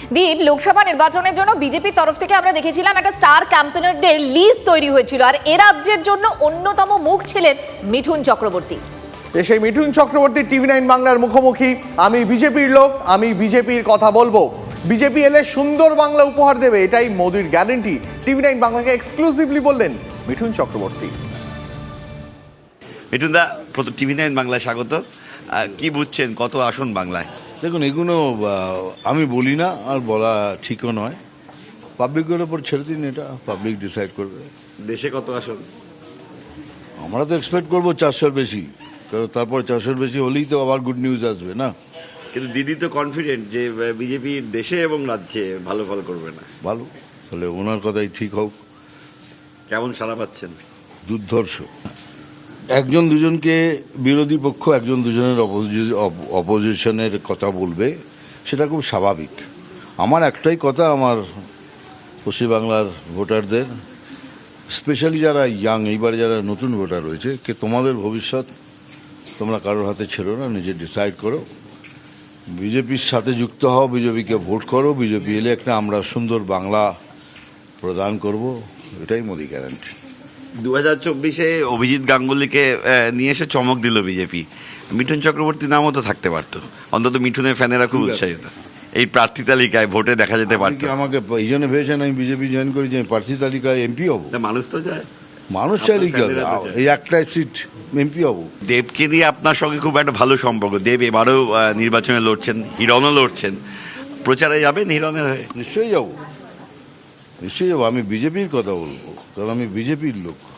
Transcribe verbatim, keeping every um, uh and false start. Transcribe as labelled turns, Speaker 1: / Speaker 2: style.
Speaker 1: দীপ, লোকসভা নির্বাচনের জন্য বিজেপির তরফ থেকে আমরা দেখেছিলাম একটা স্টার ক্যাম্পেনারদের লিস্ট তৈরি হয়েছিল, আর এ রাজ্যের জন্য অন্যতম মুখ ছিলেন মিঠুন চক্রবর্তী।
Speaker 2: সেই মিঠুন চক্রবর্তী টিভি নাইন বাংলার মুখোমুখি। আমি বিজেপির লোক, আমি বিজেপির কথা বলবো, বিজেপি এলে সুন্দর বাংলা উপহার দেবে, এটাই মোদির গ্যারান্টি। টিভি নাইন বাংলাকে এক্সক্লুসিভলি বললেন মিঠুন চক্রবর্তী।
Speaker 3: মিঠুন দা, প্রথম টিভি নাইন বাংলায় স্বাগত। কি বুঝছেন কত আসন বাংলায়?
Speaker 4: দেখুন, এগুলো আমি বলি না, আর বলা ঠিকও নয়। পাবলিকের ওপর ছেড়ে দিন, এটা পাবলিক ডিসাইড করবে।
Speaker 3: দেশে কত আসন?
Speaker 4: আমরা তো এক্সপেক্ট করবো চারশোর বেশি, কারণ তারপর চারশোর বেশি হলেই তো আবার গুড নিউজ আসবে না।
Speaker 3: কিন্তু দিদি তো কনফিডেন্ট যে বিজেপি দেশে এবং রাজ্যে ভালো ফল করবে না।
Speaker 4: ভালো, তাহলে ওনার কথাই ঠিক হোক।
Speaker 3: কেমন সাড়া পাচ্ছেন?
Speaker 4: দুর্ধর্ষ। একজন দুজনকে বিরোধী পক্ষ একজন দুজনের অপোজিশনের কথা বলবে, সেটা খুব স্বাভাবিক। আমার একটাই কথা, আমার পশ্চিমবাংলার ভোটারদের, স্পেশালি যারা ইয়াং, এইবারে যারা নতুন ভোটার রয়েছে, কে তোমাদের ভবিষ্যৎ তোমরা কারোর হাতে ছেড়ো না, নিজে ডিসাইড করো। বিজেপির সাথে যুক্ত হও, বিজেপিকে ভোট করো। বিজেপি এলে একটা আমরা সুন্দর বাংলা প্রদান করব, এটাই মোদি গ্যারান্টি।
Speaker 3: দু হাজার চব্বিশে অভিজিৎ গাঙ্গুলিকে নিয়ে এসে চমক দিল বিজেপি। মিঠুন চক্রবর্তী নামও তো থাকতে পারতো, অন্তত মিঠুনের ফ্যানেরা খুব উৎসাহিত। এই প্রার্থী তালিকায় ভোটে দেখা যেতে পারতো।
Speaker 4: আমাকে এই জন্য ভেবেছেন আমি বিজেপি জয়েন করি যে প্রার্থী তালিকায় এমপি হবো?
Speaker 3: মানুষ তো চায়,
Speaker 4: মানুষ চাইলে কি হবে, এই একটা সিট এমপি হবো।
Speaker 3: দেবকে নিয়ে আপনার সঙ্গে খুব একটা ভালো সম্পর্ক। দেব এবারেও নির্বাচনে লড়ছেন, হিরণও লড়ছেন, প্রচারে যাবেন হিরণের হয়ে?
Speaker 4: নিশ্চয়ই যাবো, নিশ্চয়ই যাবো। আমি বিজেপির কথা বলবো, কারণ আমি বিজেপির লোক।